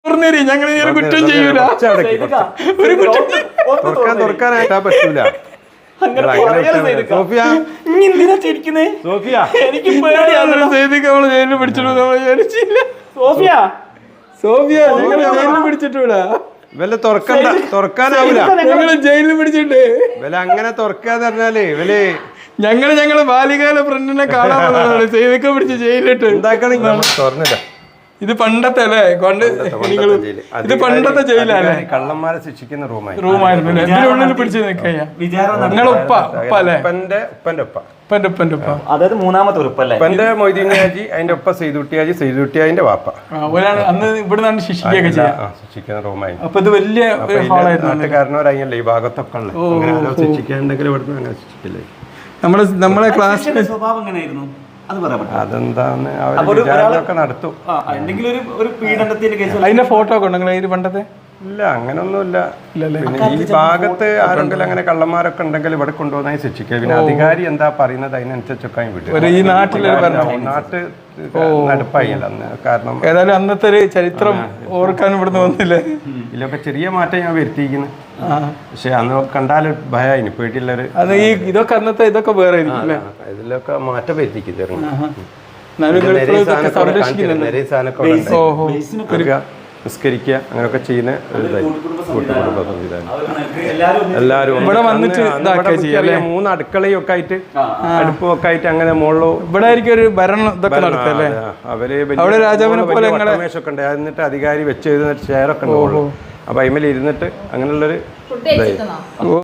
ഞങ്ങൾ കുറ്റം ചെയ്യൂല. തുറക്കാനായിട്ടാ പറ്റൂല. സോഫിയ എനിക്ക് ജയിലിൽ പിടിച്ചിട്ടൂല. സോഫിയ ജയിലിൽ പിടിച്ചിട്ടൂല. വല്ല തുറക്കാനാവൂല. ഞങ്ങള് ജയിലിൽ പിടിച്ചിട്ട് വല്ല അങ്ങനെ തുറക്കാന്ന് പറഞ്ഞാല് ഇവല് ഞങ്ങള് ബാലികാല ഫ്രണ്ടിനെ കാണാൻ പോകുന്നതാണ്. സേവിക്ക പിടിച്ച് ജയിലിട്ട് തുറന്നില്ല. ഇത് പണ്ടത്തെ അല്ലേ? ഇത് പണ്ടത്തെ ജയിലല്ലേ? കള്ളന്മാരെ ശിക്ഷിക്കുന്ന റൂമായിരുന്നു. ഇതിനുള്ളിൽ പിടിച്ച് നിൽക്കുക. അതായത് മൂന്നാമത്തെ ഉറപ്പല്ലേ? ഉപ്പന്റെ മൊയ്തീൻഹാജി, അതിന്റെ ഒപ്പ സെയ്തുട്ടിയാജി, സെയ്തുട്ടിയാജിന്റെ വാപ്പ. അന്ന് ഇവിടുന്നാണ് ശിക്ഷിക്കുകയൊക്കെ ശിക്ഷിക്കുന്ന റൂമായിരുന്നു. അപ്പൊ ഇത് വലിയ നാട്ടുകാരനോരായില്ലേ ഈ ഭാഗത്തൊക്കെ ഉള്ളത്. അങ്ങനെ ശിക്ഷിക്കാണ്ടെങ്കിൽ ഇവിടുന്ന് അങ്ങനെ ശിക്ഷിക്കില്ലേ. നമ്മളെ ക്ലാസ്സിന്റെ സ്വഭാവം എങ്ങനെയായിരുന്നു? അതെന്താന്ന് അവരൊക്കെ നടത്തും. അതിന്റെ ഫോട്ടോ ഒക്കെ ഉണ്ടോ നിങ്ങളെ പണ്ടത്തെ? ഇല്ല, അങ്ങനൊന്നുമില്ല. പിന്നെ ഈ ഭാഗത്ത് ആരെങ്കിലും അങ്ങനെ കള്ളന്മാരൊക്കെ ഉണ്ടെങ്കിൽ ഇവിടെ കൊണ്ടുവന്നാൽ ശിക്ഷിക്കുക. പിന്നെ അധികാരി എന്താ പറയുന്നത് അതിനനുസരിച്ചൊക്കെ വിടും. ഈ നാട്ടില് നാട്ട് നടപ്പായില്ല അന്ന്. കാരണം ഏതായാലും അന്നത്തെ ഒരു ചരിത്രം ഓർക്കാൻ ഇവിടുന്ന് വന്നില്ലേ? ഇതിലൊക്കെ ചെറിയ മാറ്റം ഞാൻ വരുത്തിയിരിക്കുന്നു. പക്ഷെ അന്ന് കണ്ടാൽ ഭയമായിന്, പേടിയുള്ളൊരു. അത് ഈ ഇതൊക്കെ അന്നത്തെ ഇതൊക്കെ വേറെ ഇതിലൊക്കെ മാറ്റം വരുത്തിക്കുന്നു. നിസ്കരിക്കുക അങ്ങനെയൊക്കെ ചെയ്യുന്ന കൂട്ടുകുടുംബ സംവിധാനം. എല്ലാവരും ഇവിടെ വന്നിട്ട് 3 അടുക്കളയും ഒക്കെ ആയിട്ട്, അടുപ്പും ഒക്കെ ആയിട്ട് അങ്ങനെ മുകളിലോ ഇവിടെ ആയിരിക്കും ഒരു ഭരണം ഇതൊക്കെ നടത്തല്ലേ. അവര് രാജാവിനെ പോലെ ഒക്കെ ഉണ്ട്. എന്നിട്ട് അധികാരി വെച്ച് എഴുതുന്ന ചെയറൊക്കെ ഉണ്ട്. അപ്പൊ അതിമേൽ ഇരുന്നിട്ട് അങ്ങനെയുള്ളൊരു